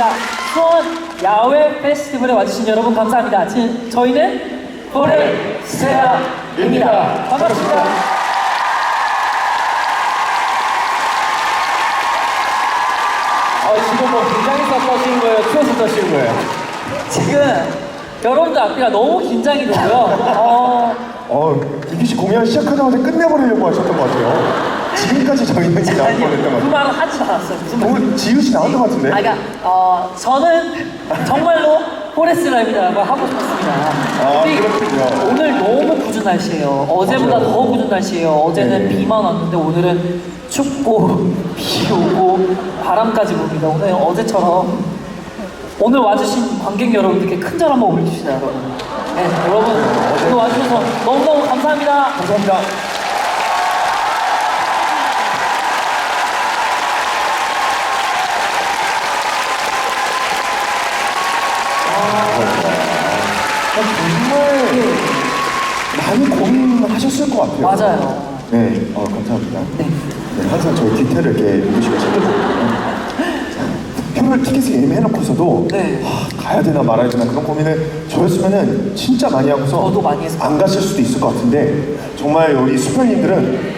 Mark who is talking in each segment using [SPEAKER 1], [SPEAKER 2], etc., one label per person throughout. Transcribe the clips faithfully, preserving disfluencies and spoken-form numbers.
[SPEAKER 1] 반갑습니다. 수원 야외 페스티벌에 와주신 여러분 감사합니다. 지, 저희는 포레스테아입니다. 반갑습니다.
[SPEAKER 2] 어, 지금 뭐 긴장해서 떠시는 거예요? 추워서 떠시는 거예요?
[SPEAKER 1] 지금 여러분들 앞이라 너무 긴장이 되고요. 어,
[SPEAKER 3] 어, 이기 씨 공연 시작하자마자 끝내버리려고 하셨던 것 같아요. 지금까지 저희는 이제 나올 뻔했던 것
[SPEAKER 1] 그
[SPEAKER 3] 같아요.
[SPEAKER 1] 말은 하지도 않았어요. 무슨 말?
[SPEAKER 3] 오늘 지우 씨 나온 것 같은데?
[SPEAKER 1] 아, 그러니까 어, 저는 정말로 포레스라입니다라고 하고 싶었습니다.
[SPEAKER 3] 아,
[SPEAKER 1] 근데
[SPEAKER 3] 그렇군요.
[SPEAKER 1] 오늘 너무 궂은 날씨예요. 어제보다
[SPEAKER 3] 맞아요.
[SPEAKER 1] 더 궂은 날씨예요. 어제는
[SPEAKER 3] 네.
[SPEAKER 1] 비만 왔는데 오늘은 춥고 비 오고 바람까지 붑니다. 오늘 어제처럼 오늘 와주신 관객 여러분들께 큰 절 한번 올려주시다, 여러분. 네, 여러분 오늘 와주셔서 너무너무 감사합니다.
[SPEAKER 3] 감사합니다. 정말 많이 고민하셨을 것 같아요.
[SPEAKER 1] 맞아요.
[SPEAKER 3] 네, 어, 감사합니다.
[SPEAKER 1] 네.
[SPEAKER 3] 네, 항상 저희 디테일을 이렇게 유구 씨가 챙겨주거든요. 표를 티켓을 예매해놓고서도
[SPEAKER 1] 네.
[SPEAKER 3] 아, 가야 되나 말아야 되나 그런 고민을 저였으면은 진짜 많이 하고서
[SPEAKER 1] 저도 많이 했어요.
[SPEAKER 3] 안 가실 수도 있을 것 같은데 정말 우리 수표님들은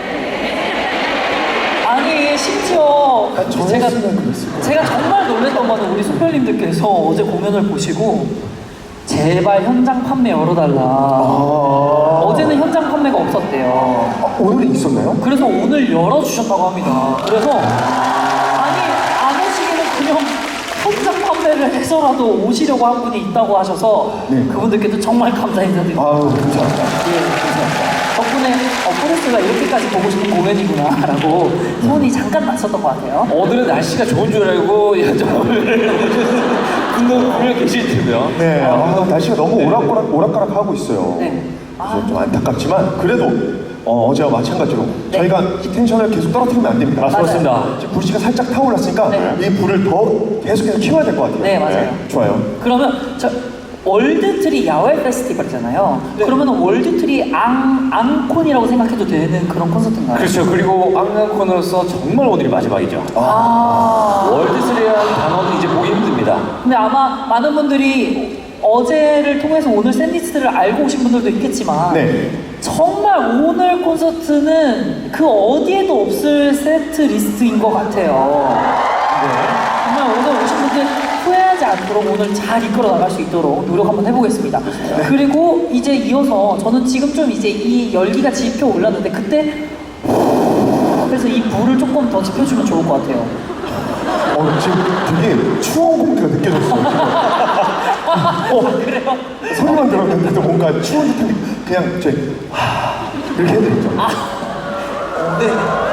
[SPEAKER 1] 아니 심지어
[SPEAKER 3] 아, 저였으면
[SPEAKER 1] 제가
[SPEAKER 3] 그랬을 거예요.
[SPEAKER 1] 제가 정말 놀랐던 거는 우리 수표님들께서 어제 공연을 보시고 제발 현장 판매 열어달라.
[SPEAKER 3] 아,
[SPEAKER 1] 어제는 현장 판매가 없었대요.
[SPEAKER 3] 아, 오늘은 있었나요?
[SPEAKER 1] 그래서 오늘 열어주셨다고 합니다. 그래서 아니 안 오시기는 그냥 현장 판매를 해서라도 오시려고 한 분이 있다고 하셔서
[SPEAKER 3] 네.
[SPEAKER 1] 그분들께도 정말 감사 인사드립니다.
[SPEAKER 3] 아유, 감사합니다.
[SPEAKER 1] 예, 감사합니다. 덕분에 어, 포레스가 이렇게까지 보고 싶은 공연이구나라고 소문이 잠깐 났었던 것 같아요.
[SPEAKER 2] 오늘은 날씨가 좋은 줄 알고 여정을 분명 분명 계실 테고요.
[SPEAKER 3] 네, 아, 날씨가 너무 오락가락, 오락가락 하고 있어요.
[SPEAKER 1] 네.
[SPEAKER 3] 그래서 좀 안타깝지만 그래도 어, 어제와 마찬가지로
[SPEAKER 1] 네.
[SPEAKER 3] 저희가 이 텐션을 계속 떨어뜨리면 안 됩니다.
[SPEAKER 2] 아, 그렇습니다.
[SPEAKER 3] 지금 불씨가 살짝 타올랐으니까
[SPEAKER 1] 네.
[SPEAKER 3] 이 불을 더 계속해서 키워야 될 것 같아요.
[SPEAKER 1] 네, 맞아요.
[SPEAKER 3] 좋아요.
[SPEAKER 1] 그러면 저 월드트리 야외 페스티벌이잖아요.
[SPEAKER 3] 네.
[SPEAKER 1] 그러면 월드트리 앙, 앙콘이라고 생각해도 되는 그런 콘서트인가요?
[SPEAKER 2] 그렇죠. 그리고 앙앙콘으로서 정말 오늘이 마지막이죠.
[SPEAKER 1] 아.
[SPEAKER 2] 월드스리라는 단어는 이제 보기 힘듭니다.
[SPEAKER 1] 근데 아마 많은 분들이 어제를 통해서 오늘 샌리스트를 알고 오신 분들도 있겠지만
[SPEAKER 3] 네.
[SPEAKER 1] 정말 오늘 콘서트는 그 어디에도 없을 세트 리스트인 것 같아요. 정말 오늘 오신 분들 후회하지 않도록 오늘 잘 이끌어 나갈 수 있도록 노력 한번 해보겠습니다. 그리고 이제 이어서 저는 지금 좀 이제 이 열기가 지표 올랐는데 그때 그래서 이 불을 조금 더 지펴주면 좋을 것 같아요.
[SPEAKER 3] 어, 지금 되게 추운 공기가 느껴졌어요. 어,
[SPEAKER 1] 그래요?
[SPEAKER 3] 소리만 들었는데도 뭔가 추운 듯한 게 그냥 저 하, 이렇게 해드리죠.
[SPEAKER 1] 네.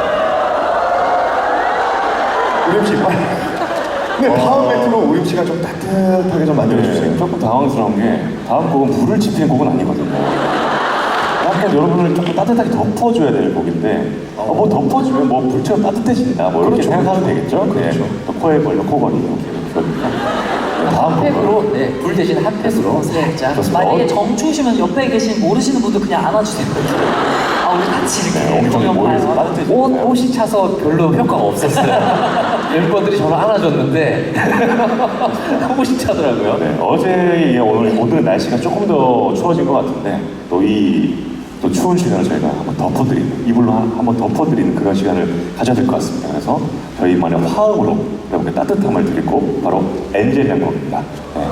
[SPEAKER 3] 우림 씨 빨리. 근데 다음 멘트로 우림 씨가 좀 따뜻하게 좀 만들어주세요.
[SPEAKER 4] 네, 조금 당황스러운 게 다음 곡은 불을 지피는 곡은 아니거든요. 약간 여러분을 조금 따뜻하게 덮어줘야 될 곡인데 어, 뭐 덮어주면 뭐 불처럼 따뜻해진다 뭐 이렇게
[SPEAKER 3] 그렇죠.
[SPEAKER 4] 생각하면 되겠죠?
[SPEAKER 3] 그렇죠.
[SPEAKER 4] 네, 또 코에 걸려 코걸이 이렇게 그러니까 다음 곡은
[SPEAKER 2] 핫팩으로, 네, 불 대신 핫팩으로 살짝.
[SPEAKER 4] 그렇습니다.
[SPEAKER 1] 만약에 정추우시면 옆에 계신 모르시는 분들 그냥 안아주세요. 아 우리 같이 이렇게
[SPEAKER 4] 네, 엄청
[SPEAKER 1] 공연
[SPEAKER 4] 머리에서
[SPEAKER 1] 봐요.
[SPEAKER 4] 따뜻해지니까.
[SPEAKER 2] 옷, 옷이 차서 별로 효과가 없었어요. 멤버들이 저를 안아줬는데 옷이 차더라고요.
[SPEAKER 4] 네, 어제에 이어 오늘 오늘 날씨가 조금 더 추워진 것 같은데 또 이 또 추운 시간을 저희가 한번 덮어드리는 이불로 한- 한번 덮어드리는 그런 시간을 가져야 될 것 같습니다. 그래서 저희만의 화음으로 여러분께 따뜻함을 드릴 곡 바로 엔젤이라는 곡입니다. 네.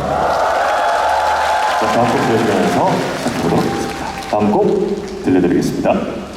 [SPEAKER 4] 자, 다음 곡 들려드리면서 시작해보도록 하겠습니다. 다음 곡 들려드리겠습니다.